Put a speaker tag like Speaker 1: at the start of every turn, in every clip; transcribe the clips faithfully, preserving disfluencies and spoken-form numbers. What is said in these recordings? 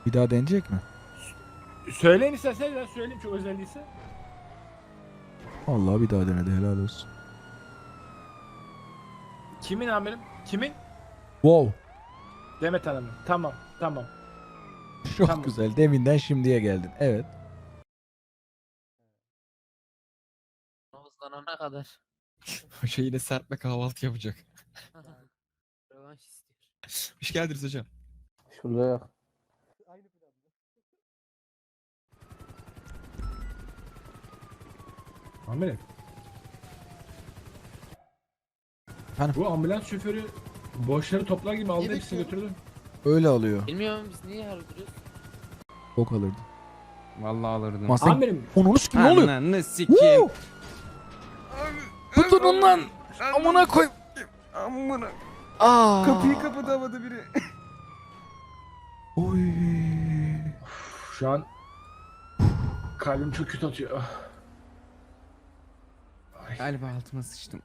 Speaker 1: Bir daha deneyecek mi?
Speaker 2: Söyleyin isterseniz ben söyleyeyim çok özel değilse.
Speaker 1: Vallahi bir daha denedi, helal olsun.
Speaker 2: Kimin amirim? Kimin?
Speaker 1: Wow.
Speaker 2: Demet Hanım'ın. Tamam tamam.
Speaker 1: Çok
Speaker 2: Tamam.
Speaker 1: güzel. Deminden şimdiye geldin. Evet.
Speaker 3: Hızlanana kadar.
Speaker 4: Hoca yine serpme kahvaltı yapacak.
Speaker 3: Rövanş istiyor.
Speaker 4: Hoş geldiniz hocam.
Speaker 5: Şurada yok.
Speaker 2: Amirim.
Speaker 1: Efendim?
Speaker 2: Bu ambulans şoförü boşları toplar gibi aldı hepsini götürdü.
Speaker 1: Öyle alıyor.
Speaker 3: Bilmiyorum biz niye harcıyoruz?
Speaker 1: Bok alırdı.
Speaker 6: Vallahi alırdım.
Speaker 1: Ama sen
Speaker 2: Amirim.
Speaker 1: onu kim ne oluyor?
Speaker 6: Ananı sikeyim.
Speaker 1: Woo! Tutun lan. Amına koy.
Speaker 6: Amına.
Speaker 1: Aa.
Speaker 6: Kapıyı kapatamadı biri.
Speaker 1: Oy.
Speaker 2: Şu an kalbim çok kötü atıyor. Ay.
Speaker 6: Galiba altıma sıçtım.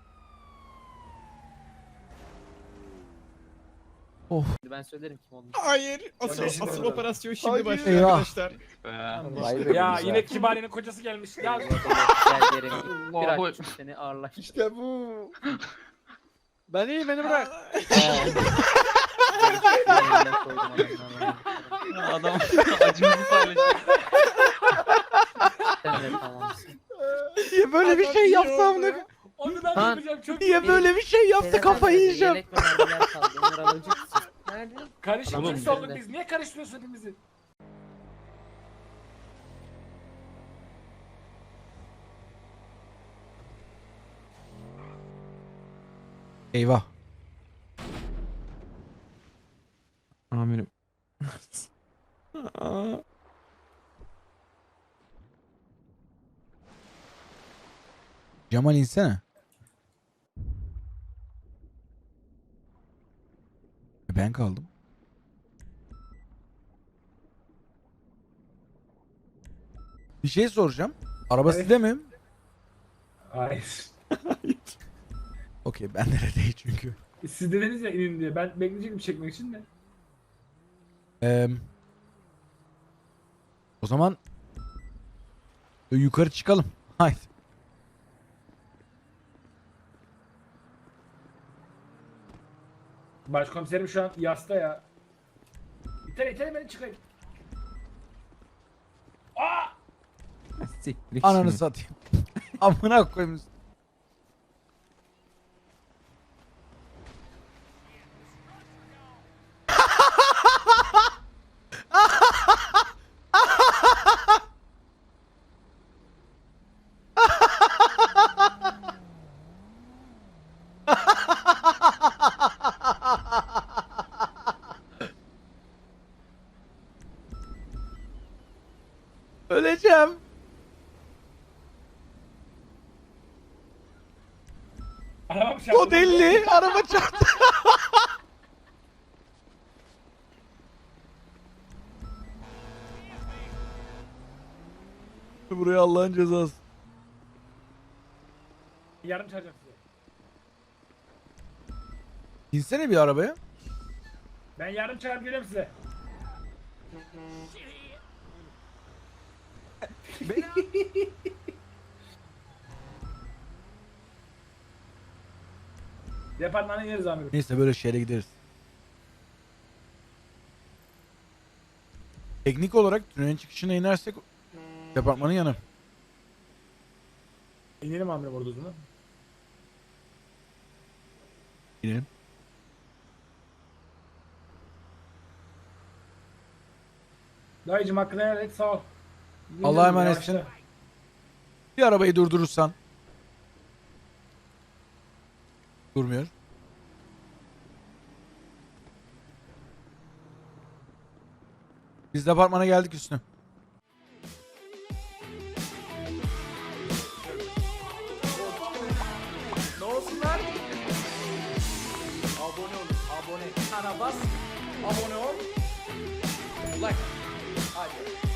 Speaker 3: Ben söylerim kim olduğunu.
Speaker 4: Hayır. Asıl,
Speaker 2: Kardeşim
Speaker 4: asıl
Speaker 2: orada.
Speaker 4: operasyon şimdi
Speaker 6: Hayır.
Speaker 4: başlıyor
Speaker 1: Eyvah.
Speaker 4: arkadaşlar.
Speaker 5: Vay be
Speaker 2: Ya
Speaker 5: güzel.
Speaker 2: yine Kibari'nin kocası gelmiş. Ya
Speaker 3: Gel yerim. Bir açtım seni ağırlaş.
Speaker 6: İşte bu.
Speaker 2: ben iyi beni bırak.
Speaker 6: Adam acımızı paylaşıyor.
Speaker 3: Sen de tamamsın.
Speaker 1: Niye böyle bir şey yapsam ne?
Speaker 2: Onu ben
Speaker 3: Lan.
Speaker 2: yapacağım çok.
Speaker 1: Niye böyle bir şey yaptı,
Speaker 3: Sedat
Speaker 1: kafayı
Speaker 3: abi,
Speaker 1: yiyeceğim.
Speaker 3: Yelek ve mermiler kaldı. Onları alacaksın. Nerede?
Speaker 2: Karışık
Speaker 3: Oğlum,
Speaker 2: kimse olduk
Speaker 3: sen de.
Speaker 2: biz. Niye karıştırıyorsun hepimizi?
Speaker 1: Eyvah.
Speaker 6: Amirim.
Speaker 1: Cemal insene. E, Ben kaldım. Bir şey soracağım. Araba
Speaker 2: Evet.
Speaker 1: sizde mi?
Speaker 2: Hayır.
Speaker 1: Okey, ben değil çünkü.
Speaker 2: Siz dediniz ya inin diye. Ben bekleyecektim çekmek için de.
Speaker 1: Ee, o zaman e, yukarı çıkalım. Haydi.
Speaker 2: Başkomiserim şu an yasta ya. İter iter beni çıkayım. Aa!
Speaker 6: Siktir
Speaker 1: Ananı
Speaker 6: şimdi.
Speaker 1: satayım. Amına koyayım. Öleceğim.
Speaker 2: Arabam çarptı.
Speaker 1: O deli. Araba çarptı. Buraya Allah'ın cezası.
Speaker 2: Yardım çağıracağım size.
Speaker 1: İnsene bir arabaya.
Speaker 2: Ben yardım çağırıp geliyorum size. Departmana ineriz amirim.
Speaker 1: Neyse, böyle şeyle gideriz. Teknik olarak tünelin çıkışına inersek departmanın yanı.
Speaker 2: İnelim amirim orada o zaman.
Speaker 1: İnelim.
Speaker 2: Dayıcım hakkını helal et sağ ol.
Speaker 1: Allah'a emanetsin.
Speaker 2: Yavaşla.
Speaker 1: Bir arabayı durdurursan. Durmuyor. Biz departmana geldik üstüne.
Speaker 2: Ne olsunlar? Abone ol, abone. Sana bas, abone ol. Like. Hadi.